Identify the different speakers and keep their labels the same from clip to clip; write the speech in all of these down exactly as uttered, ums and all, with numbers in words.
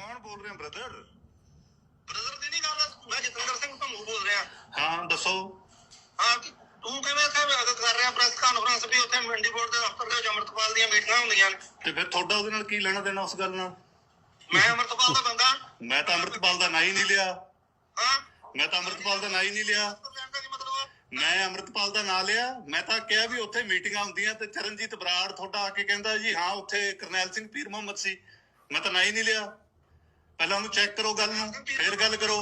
Speaker 1: कौन बोल रहे हैं ब्रदर?
Speaker 2: ब्रदर ਦੀ ਨਹੀਂ ਗੱਲ, ਮੈਂ ਜਤਿੰਦਰ ਸਿੰਘ ਭੰਗੂ ਬੋਲ ਰਿਹਾ।
Speaker 1: हाँ दसो।
Speaker 2: ਹਾਂ ਤੂੰ ਕਿਵੇਂ ਕਰ ਰਿਹਾ ਪ੍ਰੈਸ ਕਾਨਫਰੰਸ ਵੀ ਉੱਥੇ ਮੰਡੀ ਬੋਰਡ ਦੇ ਦਫ਼ਤਰ ਦੇ ਵਿੱਚ ਅੰਮ੍ਰਿਤਪਾਲ ਦੀਆਂ ਮੀਟਿੰਗਾਂ ਹੁੰਦੀਆਂ ਨੇ
Speaker 1: ਤੇ ਫਿਰ ਤੁਹਾਡਾ ਉਹਦੇ ਨਾਲ ਕੀ ਲੈਣਾ ਦੇਣਾ ਉਸ ਗੱਲ ਨਾਲ?
Speaker 2: ਮੈਂ ਅੰਮ੍ਰਿਤਪਾਲ ਦਾ ਬੰਦਾ।
Speaker 1: ਮੈਂ ਤਾਂ ਅੰਮ੍ਰਿਤਪਾਲ ਦਾ ਨਾਂ ਹੀ ਨਹੀਂ ਲਿਆ।
Speaker 2: ਹਾਂ
Speaker 1: ਮੈਂ ਤਾਂ ਅੰਮ੍ਰਿਤਪਾਲ ਦਾ ਨਾਂ ਹੀ ਨਹੀਂ ਲਿਆ। ਮੈਂ ਅੰਮ੍ਰਿਤਪਾਲ ਦਾ ਨਾਂ ਲਿਆ। ਮੈਂ ਤਾਂ ਕਿਹਾ ਵੀ ਉੱਥੇ ਮੀਟਿੰਗਾਂ ਹੁੰਦੀਆਂ ਤੇ ਚਰਨਜੀਤ ਬਰਾੜ ਤੁਹਾਡਾ ਆ ਕੇ ਕਹਿੰਦਾ ਜੀ ਹਾਂ ਉੱਥੇ ਕਰਨੈਲ ਸਿੰਘ ਪੀਰ ਮੁਹੰਮਦ ਸੀ। ਮੈਂ ਤਾਂ ਨਾਂ ਹੀ ਨਹੀਂ ਲਿਆ। ਪਹਿਲਾਂ ਉਹਨੂੰ ਚੈੱਕ ਕਰੋ ਗੱਲ ਨੂੰ, ਫਿਰ ਗੱਲ ਕਰੋ।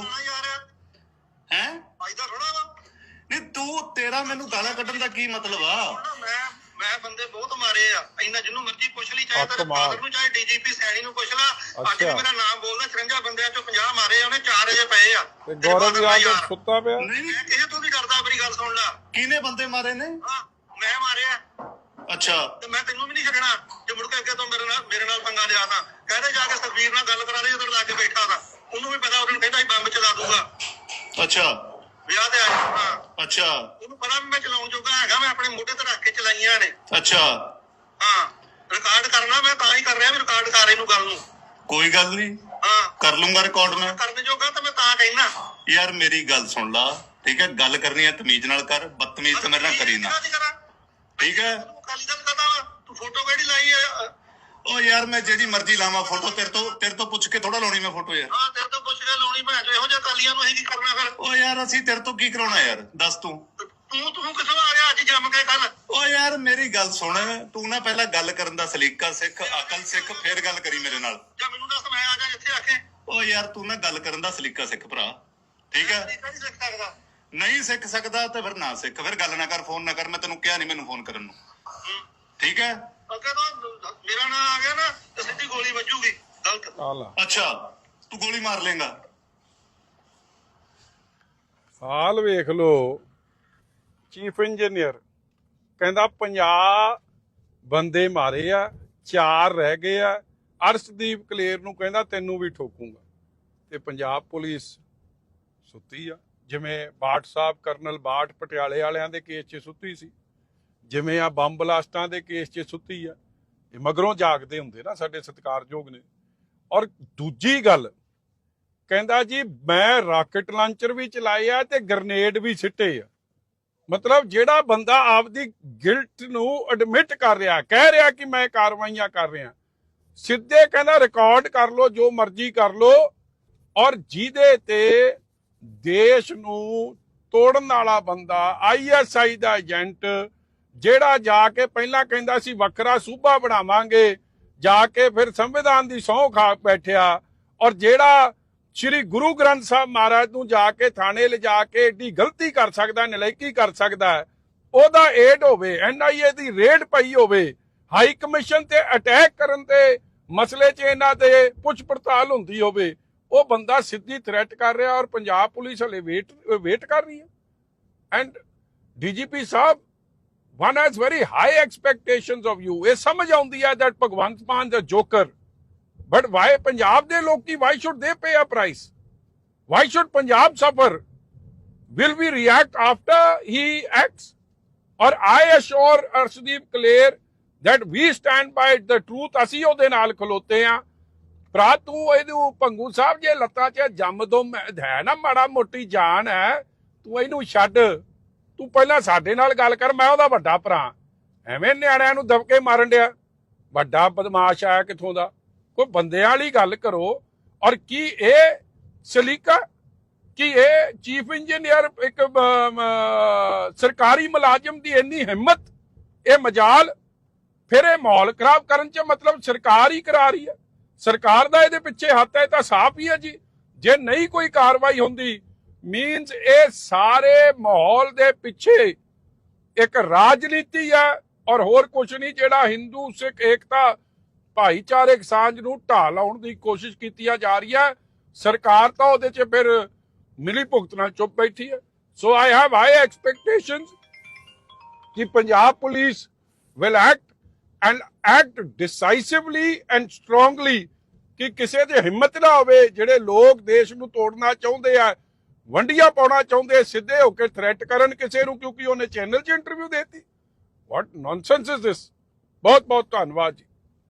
Speaker 1: ਹੈ
Speaker 2: ਫਾਇਦਾ ਥੋੜਾ ਵਾ
Speaker 1: ਨਹੀਂ ਤੂੰ ਤੇਰਾ ਮੈਨੂੰ ਗਾਲਾਂ ਕੱਢਣ ਦਾ ਕੀ ਮਤਲਬ ਆ?
Speaker 2: ਮੈਂ ਮੈਂ ਬੰਦੇ ਬਹੁਤ ਮਾਰੇ ਆ, ਇੰਨਾ ਜਿਹਨੂੰ ਮਰਜ਼ੀ ਪੁੱਛ ਲਈ, ਚਾਹੇ ਤੇਰੇ ਫਾਦਰ ਨੂੰ ਚਾਹੇ ਡੀਜੀਪੀ ਸੈਣੀ ਨੂੰ ਪੁੱਛ ਲਾ। ਅੱਜ ਵੀ ਮੇਰਾ ਨਾਮ ਬੋਲਦਾ, ਚੁਰੰਜਾ ਬੰਦਿਆਂ ਚੋਂ ਪੰਜਾਹ ਮਾਰੇ ਉਹਨੇ, ਚਾਰ ਅਜੇ ਪਏ ਆ।
Speaker 3: ਤੇ ਗੌਰਵ ਯਾਦ ਸੁੱਤਾ ਪਿਆ।
Speaker 1: ਨਹੀਂ
Speaker 2: ਮੈਂ ਕਿਸੇ ਤੋਂ ਵੀ ਡਰਦਾ, ਮੇਰੀ ਗੱਲ ਸੁਣ ਲਾ।
Speaker 1: ਕਿਹਨੇ ਬੰਦੇ ਮਾਰੇ ਨੇ?
Speaker 2: ਹਾਂ ਮੈਂ ਮਾਰਿਆ।
Speaker 1: ਅੱਛਾ
Speaker 2: ਤੇ ਮੈਂ ਤੈਨੂੰ ਵੀ ਨਹੀਂ ਛੱਡਣਾ ਜੇ ਮੁੜ ਕੇ ਅੱਗੇ ਤੋਂ ਮੇਰੇ ਨਾਲ ਮੇਰੇ ਨਾਲ ਪੰਗਾ ਲਿਆ ਤਾਂ ਕਹਿੰਦੇ ਜਾ ਕੇ ਸੁਖਬੀਰ ਨਾਲ ਗੱਲ ਕਰਾ ਲਈ, ਉਧਰ ਲਾ ਕੇ ਬੈਠਾ ਤਾਂ ਉਹਨੂੰ ਵੀ ਪਤਾ, ਉਹਨੂੰ ਕਹਿੰਦਾ ਸੀ ਬੰਬ ਚਲਾ ਦੂਗਾ।
Speaker 1: ਅੱਛਾ
Speaker 2: ਵਿਆਹ ਤੇ ਆ ਜਾਣਾ।
Speaker 1: ਅੱਛਾ
Speaker 2: ਉਹਨੂੰ ਪਤਾ ਵੀ ਮੈਂ ਚਲਾਉਣ ਜੋਗਾ ਹੈਗਾ, ਮੈਂ ਆਪਣੇ ਮੋਢੇ ਤੇ ਰੱਖ ਕੇ ਚਲਾਈਆਂ ਨੇ।
Speaker 1: ਅੱਛਾ
Speaker 2: ਹਾਂ ਰਿਕਾਰਡ ਕਰਨਾ ਮੈਂ ਤਾਂ ਹੀ ਕਰ ਰਿਹਾ ਵੀ ਰਿਕਾਰਡ ਕਰ ਇਹਨੂੰ ਗੱਲ ਨੂੰ।
Speaker 1: ਕੋਈ ਗੱਲ ਨਹੀਂ,
Speaker 2: ਹਾਂ
Speaker 1: ਕਰ ਲੂੰਗਾ ਰਿਕਾਰਡ ਮੈਂ।
Speaker 2: ਕਰਨ ਜੋਗਾ ਤਾਂ ਮੈਂ ਤਾਂ ਕਹਿਣਾ।
Speaker 1: ਯਾਰ ਮੇਰੀ ਗੱਲ ਸੁਣ ਲਾ, ਠੀਕ ਹੈ? ਗੱਲ ਕਰਨੀ ਹੈ ਤਮੀਜ਼ ਨਾਲ ਕਰ, ਬਦਤਮੀਜ਼ ਤੇ ਮੇਰੇ ਨਾਲ ਕਰੀ ਨਾ, ਠੀਕ ਹੈ?
Speaker 2: ਅਕਾਲੀ ਦਲ ਕਰਦਾ ਵਾ, ਤੂੰ ਫੋਟੋ ਕਿਹੜੀ ਲਾਈ ਹੈ?
Speaker 1: ਉਹ ਯਾਰ ਮੈਂ ਜਿਹੜੀ ਮਰਜ਼ੀ ਲਾਵਾਂ ਫੋਟੋ, ਤੇਰੇ ਤੋਂ ਤੇਰੇ ਤੋਂ ਪੁੱਛ ਕੇ ਥੋੜਾ ਲਾਉਣੀ ਮੈਂ ਫੋਟੋ ਯਾਰ।
Speaker 2: ਹਾਂ ਤੇਰੇ ਤੋਂ ਪੁੱਛ ਕੇ ਲਾਉਣੀ ਭੈਣ ਚੋ, ਇਹੋ ਜਿਹੇ ਅਕਾਲੀਆਂ ਨੂੰ ਅਸੀਂ ਕੀ ਕਰਨਾ ਫਿਰ?
Speaker 1: ਉਹ ਯਾਰ ਅਸੀਂ ਤੇਰੇ ਤੋਂ ਕੀ ਕਰਾਉਣਾ ਯਾਰ, ਦੱਸ ਤੂੰ।
Speaker 2: ਤੂੰ ਤੂੰ ਕਿੱਥੋਂ ਆ ਗਿਆ ਅੱਜ ਜੰਮ ਕੇ ਕੱਲ?
Speaker 1: ਉਹ ਯਾਰ ਮੇਰੀ ਗੱਲ ਸੁਣ, ਤੂੰ ਨਾ ਪਹਿਲਾਂ ਗੱਲ ਕਰਨ ਦਾ ਸਲੀਕਾ ਸਿੱਖ, ਅਕਲ ਸਿੱਖ, ਫਿਰ ਗੱਲ ਕਰੀ ਮੇਰੇ ਨਾਲ।
Speaker 2: ਜਾਂ ਮੈਨੂੰ ਦੱਸ ਮੈਂ ਆ ਜਾ ਜਿੱਥੇ ਆਖੇ।
Speaker 1: ਉਹ ਯਾਰ ਤੂੰ ਨਾ ਗੱਲ ਕਰਨ ਦਾ ਸਲੀਕਾ ਸਿੱਖ ਭਰਾ, ਠੀਕ ਹੈ?
Speaker 2: ਨਹੀਂ ਸਿੱਖ ਸਕਦਾ।
Speaker 1: ਨਹੀਂ ਸਿੱਖ ਸਕਦਾ ਤੇ ਫਿਰ ਨਾ ਸਿੱਖ, ਫਿਰ ਗੱਲ ਨਾ ਕਰ, ਫੋਨ ਨਾ ਕਰ। ਮੈਂ ਤੈਨੂੰ ਕਿਹਾ ਨਹੀਂ ਮੈਨੂੰ ਫੋਨ ਕਰਨ ਨੂੰ, ਠੀਕ ਹੈ?
Speaker 2: ਅੱਗੇ ਤੋਂ ਮੇਰਾ ਨਾਂ ਆ ਗਿਆ ਨਾ ਤੇ ਸਿੱਧੀ ਗੋਲੀ ਵੱਜੂਗੀ। ਗਲਤ
Speaker 3: ਆਲਾ
Speaker 1: ਅੱਛਾ ਤੂੰ ਗੋਲੀ ਮਾਰ ਲੇਗਾ।
Speaker 3: ਹਾਲ ਵੇਖ ਲੋ, ਚੀਫ ਇੰਜੀਨੀਅਰ ਕਹਿੰਦਾ ਪੰਜਾਹ ਬੰਦੇ ਮਾਰੇ ਆ, ਚਾਰ ਰਹਿ ਗਏ ਆ। ਅਰਸ਼ਦੀਪ ਕਲੇਰ ਨੂੰ ਕਹਿੰਦਾ ਤੈਨੂੰ ਵੀ ਠੋਕੂਗਾ। ਤੇ ਪੰਜਾਬ ਪੁਲਿਸ ਸੁੱਤੀ ਆ, ਜਿਵੇਂ ਬਾਠ ਸਾਹਿਬ ਕਰਨਲ ਬਾਠ ਪਟਿਆਲੇ ਵਾਲਿਆਂ ਦੇ ਕੇਸ 'ਚ ਸੁੱਤੀ ਸੀ, ਜਿਵੇਂ ਆ ਬੰਬ ਬਲਾਸਟਾਂ ਦੇ ਕੇਸ 'ਚ ਸੁੱਤੀ ਆ। ਇਹ ਮਗਰੋਂ ਜਾਗਦੇ ਹੁੰਦੇ ਨਾ ਸਾਡੇ ਸਤਿਕਾਰਯੋਗ ਨੇ। ਔਰ ਦੂਜੀ ਗੱਲ ਕਹਿੰਦਾ ਜੀ ਮੈਂ ਰਾਕਟ ਲਾਂਚਰ ਵੀ ਚਲਾਏ ਆ ਤੇ ਗ੍ਰਨੇਡ ਵੀ ਸਿੱਟੇ ਆ। ਮਤਲਬ ਜਿਹੜਾ ਬੰਦਾ ਆਪਦੀ ਗਿਲਟ ਨੂੰ ਐਡਮਿਟ ਕਰ ਰਿਹਾ, ਕਹਿ ਰਿਹਾ ਕਿ ਮੈਂ ਕਾਰਵਾਈਆਂ ਕਰ ਰਿਹਾ, ਸਿੱਧੇ ਕਹਿੰਦਾ ਰਿਕਾਰਡ ਕਰ ਲੋ, ਜੋ ਮਰਜ਼ੀ ਕਰ ਲੋ। ਔਰ ਜਿਹਦੇ ਤੇ ਦੇਸ਼ ਨੂੰ ਤੋੜਨ ਵਾਲਾ ਬੰਦਾ, I S I the agent, ਜਿਹੜਾ ਜਾ ਕੇ ਪਹਿਲਾਂ ਕਹਿੰਦਾ ਸੀ ਵੱਖਰਾ ਸੂਬਾ ਬਣਾਵਾਂਗੇ, ਜਾ ਕੇ ਫਿਰ ਸੰਵਿਧਾਨ ਦੀ ਸਹੁੰ ਖਾ ਬੈਠਿਆ। ਔਰ ਜਿਹੜਾ ਸ਼੍ਰੀ ਗੁਰੂ ਗ੍ਰੰਥ ਸਾਹਿਬ ਮਹਾਰਾਜ ਨੂੰ ਜਾ ਕੇ ਥਾਣੇ ਲਿਜਾ ਕੇ ਏਡੀ ਗਲਤੀ ਕਰ ਸਕਦਾ, ਨਲਾਇਕੀ ਕਰ ਸਕਦਾ, ਉਹਦਾ ਏਡ ਹੋਵੇ, ਐਨ ਆਈ ਏ ਦੀ ਰੇਡ ਪਈ ਹੋਵੇ, ਹਾਈ ਕਮਿਸ਼ਨ ਤੇ ਅਟੈਕ ਕਰਨ ਤੇ ਮਸਲੇ 'ਚ ਇਹਨਾਂ ਤੇ ਪੁੱਛ ਪੜਤਾਲ ਹੁੰਦੀ ਹੋਵੇ, ਉਹ ਬੰਦਾ ਸਿੱਧੀ ਥ੍ਰੈਟ ਕਰ ਰਿਹਾ। ਔਰ ਪੰਜਾਬ ਪੁਲਿਸ ਹਲੇ ਵੇਟ ਵੇਟ ਕਰ ਰਹੀ ਹੈ। ਐਂਡ ਡੀਜੀਪੀ ਸਾਹਿਬ, one has very high expectations of you. ਇਹ ਸਮਝ ਆਉਂਦੀ ਹੈ that ਭਗਵੰਤ ਮਾਨ ਦਾ ਜੋਕਰ, but why ਪੰਜਾਬ ਦੇ ਲੋਕੀ, why should they pay a price? Why should Punjab suffer? Will we react after he acts? Or I assure Arshdeep Kaler that we stand by the truth. ਅਸੀਂ ਉਹਦੇ ਨਾਲ ਖਲੋਤੇ ਆ। ਭਰਾ ਤੂੰ ਇਹਨੂੰ ਭੰਗੂ ਸਾਹਿਬ ਜੇ ਲੱਤਾਂ 'ਚ ਜੰਮ ਦੋ ਹੈ ਨਾ, ਮਾੜਾ ਮੋਟੀ ਜਾਨ ਹੈ, ਤੂੰ ਇਹਨੂੰ ਛੱਡ। ਤੂੰ ਪਹਿਲਾਂ ਸਾਡੇ ਨਾਲ ਗੱਲ ਕਰ, ਮੈਂ ਉਹਦਾ ਵੱਡਾ ਭਰਾ। ਐਵੇਂ ਨਿਆਣਿਆਂ ਨੂੰ ਦਬਕੇ ਮਾਰਨ ਡਿਆ, ਵੱਡਾ ਬਦਮਾਸ਼ ਆਇਆ ਕਿੱਥੋਂ ਦਾ? ਕੋਈ ਬੰਦਿਆਂ ਵਾਲੀ ਗੱਲ ਕਰੋ। ਔਰ ਕੀ ਇਹ ਸਲੀਕਾ, ਕਿ ਇਹ ਚੀਫ ਇੰਜੀਨੀਅਰ ਇੱਕ ਸਰਕਾਰੀ ਮੁਲਾਜ਼ਮ ਦੀ ਇੰਨੀ ਹਿੰਮਤ, ਇਹ ਮਜਾਲ, ਫਿਰ ਇਹ ਮਾਹੌਲ ਖਰਾਬ ਕਰਨ 'ਚ ਮਤਲਬ ਸਰਕਾਰ ਹੀ ਕਰਾ ਰਹੀ ਹੈ। ਸਰਕਾਰ ਦਾ ਇਹਦੇ ਪਿੱਛੇ ਹੱਥ ਹੈ ਤਾਂ ਸਾਫ਼ ਹੀ ਹੈ ਜੀ। ਜੇ ਨਹੀਂ ਕੋਈ ਕਾਰਵਾਈ ਹੁੰਦੀ, ਮੀਨਸ ਇਹ ਸਾਰੇ ਮਾਹੌਲ ਦੇ ਪਿੱਛੇ ਇੱਕ ਰਾਜਨੀਤੀ ਹੈ ਔਰ ਹੋਰ ਕੁਝ ਨਹੀਂ। ਜਿਹੜਾ ਹਿੰਦੂ ਸਿੱਖ ਏਕਤਾ ਭਾਈਚਾਰਕ ਸਾਂਝ ਨੂੰ ਢਾਹ ਲਾਉਣ ਦੀ ਕੋਸ਼ਿਸ਼ ਕੀਤੀ ਜਾ ਰਹੀ ਹੈ, ਸਰਕਾਰ ਤਾਂ ਉਹਦੇ 'ਚ ਫਿਰ ਮਿਲੀ ਭੁਗਤ ਨਾਲ ਚੁੱਪ ਬੈਠੀ ਹੈ। So I have high expectations ਕਿ Punjab police will act and act decisively and strongly, ਕਿ ਕਿਸੇ ਦੀ ਹਿੰਮਤ ਨਾ ਹੋਵੇ। ਜਿਹੜੇ ਲੋਕ ਦੇਸ਼ ਨੂੰ ਤੋੜਨਾ ਚਾਹੁੰਦੇ ਆ, ਵੰਡੀਆਂ ਪਾਉਣਾ ਚਾਹੁੰਦੇ, ਸਿੱਧੇ ਹੋ ਕੇ ਥ੍ਰੈਟ ਕਰਨ ਕਿਸੇ ਨੂੰ ਕਿਉਂਕਿ ਉਹਨੇ ਚੈਨਲ 'ਚ ਇੰਟਰਵਿਊ ਦੇਤੀ। What nonsense is this. ਬਹੁਤ ਬਹੁਤ ਧੰਨਵਾਦ ਜੀ।